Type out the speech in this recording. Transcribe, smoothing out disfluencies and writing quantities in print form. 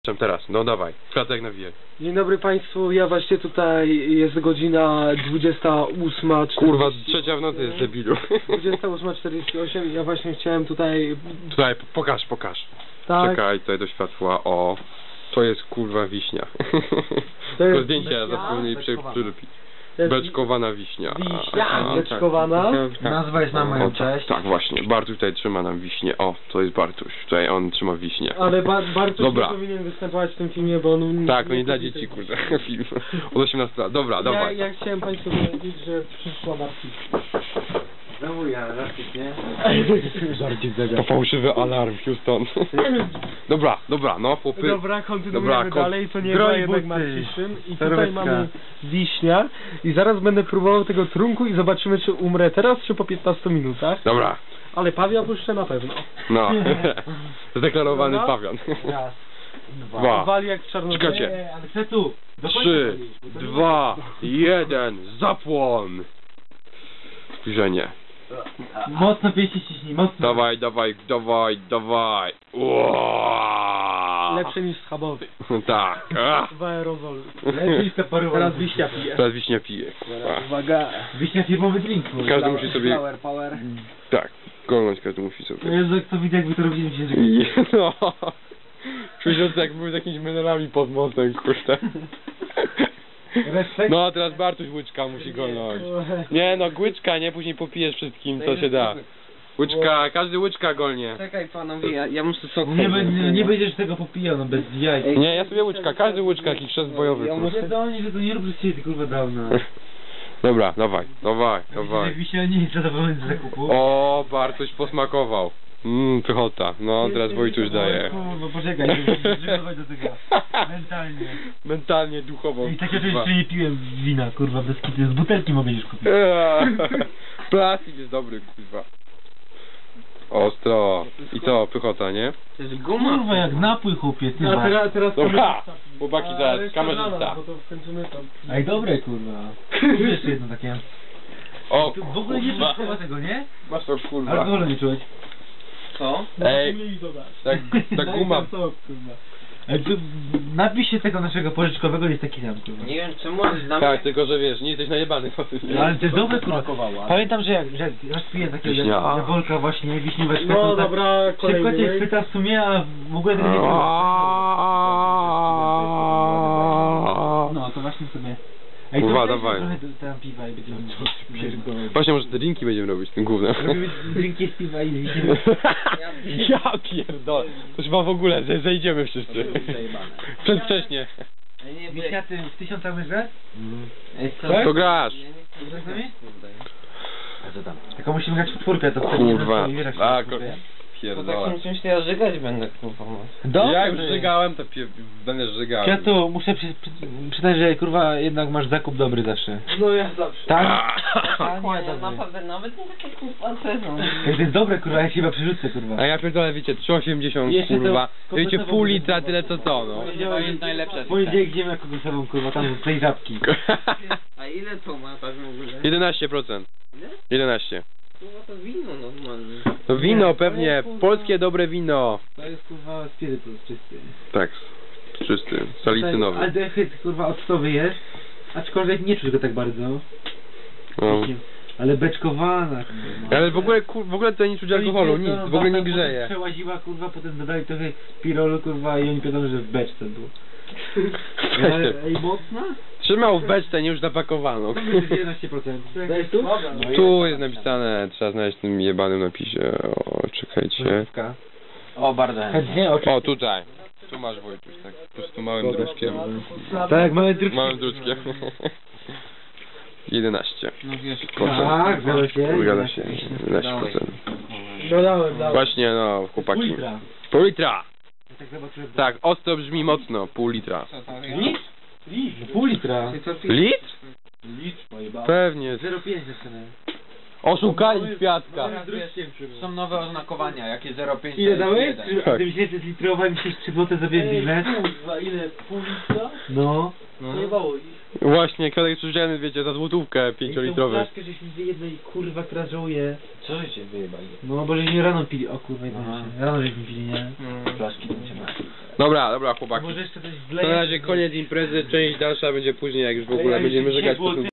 Teraz, no dawaj, Kwiatek nawijaj. Dzień dobry Państwu, ja właśnie tutaj, jest godzina 28:40. Kurwa, trzecia w nocy jest debilu. 28:48, ja właśnie chciałem tutaj... Tutaj, pokaż. Tak. Czekaj, tutaj do światła, o. To jest kurwa wiśnia. To jest To zdjęcia wiśnia? zapomnieli przylepić. To jest Beczkowana wiśnia. wiśnia beczkowana. Nazwa jest na moją O, cześć. Tak, właśnie. Bartuś tutaj trzyma nam wiśnię. O, to jest Bartuś. Tutaj on trzyma wiśnię. Ale Bartuś nie Dobra. powinien występować w tym filmie, bo on... Tak, no nie dla dzieci, kurde, film. Od 18 lat. Dobra, dawaj. Ja chciałem Państwu powiedzieć, że przyszła Bartuś. Znowu ja, żarcik, nie? Żarcik To fałszywy alarm, Houston. Dobra, no chłopy. Dobra, kontynuujemy Dobra, dalej, to nie Groj była jednak buty. Marciszyn. I tutaj Serwetka. mamy wiśnia. I zaraz będę próbował tego trunku i zobaczymy, czy umrę teraz, czy po 15 minutach. Dobra, Ale pawia puszczę na pewno. no. Zdeklarowany Dobra. pawian. Raz, Dwa. Wali jak w Czarnobylu. Czekajcie. Ale chcę tu. 3, 2, 1, zapłon! Zbliżenie. Mocno pięści ściśnij, mocno. Dawaj. Uaaaa. Lepsze niż schabowy. Tak. W aerozolu. Lepiej separować. Teraz wiśnia pije. Teraz wiśnia pije. Uwaga. Wiśnia firmowy drink. Każdy musi sobie... Power. Tak, golnąć każdy musi No sobie. Jezu, jak to widzę, jakby to robili się. No. Czuję się jak były z jakimiś menelami pod mostem, kurde. Respekt. No a teraz Bartuś łyczka musi golnąć. Nie no, łyczka, nie? Później popijesz wszystkim, co się da. Łyczka, każdy łyczka golnie. Czekaj panowie, ja muszę sok. Nie będziesz tego popijał, no bez jaj. Nie, ja sobie łyczka, każdy łyczka, jakiś chrzest bojowy. Ja kurwa. Mówię do nich, że to nie rób przez ciebie, ty kurwa dawno. Dobra, dawaj. Wiśnia nie jest zadowolony z zakupu. O, Bartuś posmakował. Pychota. No, teraz Wojtuś daje. Kurwa, poczekaj, muszę przygotować do tego. Mentalnie. Mentalnie, duchowo. I takie rzeczy kurwa. jeszcze nie piłem wina, kurwa, bez kity. Z butelki mogę już kupić. Plastik jest dobry, kurwa. Ostro. I co, pychota, nie? To jest guma. Kurwa, jak napój chłopie, ty A masz. teraz Dobra, kamerzysta. chłopaki Ale teraz, jeszcze kamerzysta. rano, bo to skończymy tam. Ej, dobre, kurwa. Kupię jeszcze jedno takie. O, Tu w ogóle nie czuć chyba tego, nie? Masz to, kurwa. Alkoholu nie czuć. Co? Ej, Mniej dodać. ta guma. Ej, tu napij się tego naszego pożyczkowego, jest taki sam, kurwa. Nie wiem czemu, ale dla mnie... Tak, tylko że wiesz, nie jesteś najebany. Ale to jest dobre, kurwa. Pamiętam, że jak raz piję takiego Wiśnia. jabłka właśnie, wiśnióweczkę, No to tak dobra, szybko kolejny. cię chwyta w sumie, a w ogóle tego nie czuć. No, to właśnie sobie... Ej, Kurwa, to dawaj. trochę tam piwa i będziemy pierdolę. Właśnie może te drinki będziemy robić tym głównym. Robimy drinki z piwa i z wiśniówki. Ja pierdolę. To chyba w ogóle, zejdziemy wszyscy. Przedwcześnie. Wiśniaty w 1000 łyżek? Ej, co? Tak? To grasz. Grasz z nami? Kurde. Tylko musimy grać w czwórkę, to wtedy Kurwa. nie wiesz, jak się A, czwórkę. Po pierdolę. takim czymś to ja żygać będę, kurwa. Ja już żygałem, to będę żygał. Ja tu muszę przyznać, że kurwa jednak masz zakup dobry zawsze. No ja zawsze. Tak? Kłania, naprawdę, nawet nie takie kurwa ceny. Ej, to jest dobre kurwa, ja się chyba przerzucę kurwa. A ja pierdolę, wiecie, 3,80 Jeszcze to kurwa. Wiecie, kompletowo pół będzie litra, kurwa. tyle co to, no. To jest najlepsze. W poniedziałek idziemy jako głosową kurwa, tam z tej żabki. A ile to ma tak w ogóle? 11%. 11. Kurwa to wino normalnie. No wino Nie, pewnie, to jest, kurwa. polskie dobre wino. To jest kurwa spirytus czysty. Tak, czysty, salicynowy. Aldehyd kurwa octowy jest, aczkolwiek nie czuć go tak bardzo. No. Ale beczkowana kurwa. Ale w ogóle tutaj nie czuć alkoholu, nic, w ogóle nie grzeje. Przełaziła kurwa, potem dodali trochę pirolu kurwa i oni wiadomo, że w beczce było. Ej, mocna? Trzymał w beczce, nie już napakowano. 11%. Dajesz tu? Tu jest napisane, trzeba znaleźć w tym jebanym napisie. O, czekajcie. O, bardzo. Chętnie, O, tutaj. Tu masz Wojtuś, tak, po prostu małym druczkiem. Tak, mamy drugi. Małym druczkiem. 11. No wiesz, Tak, zgadza się. Zgadza się, 11%. Dodałem. Właśnie, no, chłopaki. Ultra. Pół litra! Tak zobaczyłem. Tak, ostro brzmi mocno, pół litra. co to Litr? Litr, pół litra. Ty co Litr? Litr, pojebał. Pewnie. 0,5 zaczynamy. Oszukali Kwiatka. Teraz wiesz, są nowe oznakowania, jakie 0,5 Ile dałeś? Tak. A ty myślisz, że jest litrowa i myślisz 3 zł za bilet? Kurwa, ile? Pół litra? No. Nie bało ich. Właśnie, Kwiatek przyjrzany, wiecie, za złotówkę 5-litrowy. Flaszkę żeśmy wyjedli, kurwa, która żołuje. Co żeście wyjebali? No, bo żeśmy rano pili. O kurwa, Aha. rano żeśmy pili, nie? Flaszki będziemy. Dobra, chłopaki. Może jeszcze coś To wleję. na razie koniec imprezy, część dalsza będzie później, jak już w ogóle będziemy żegać po tym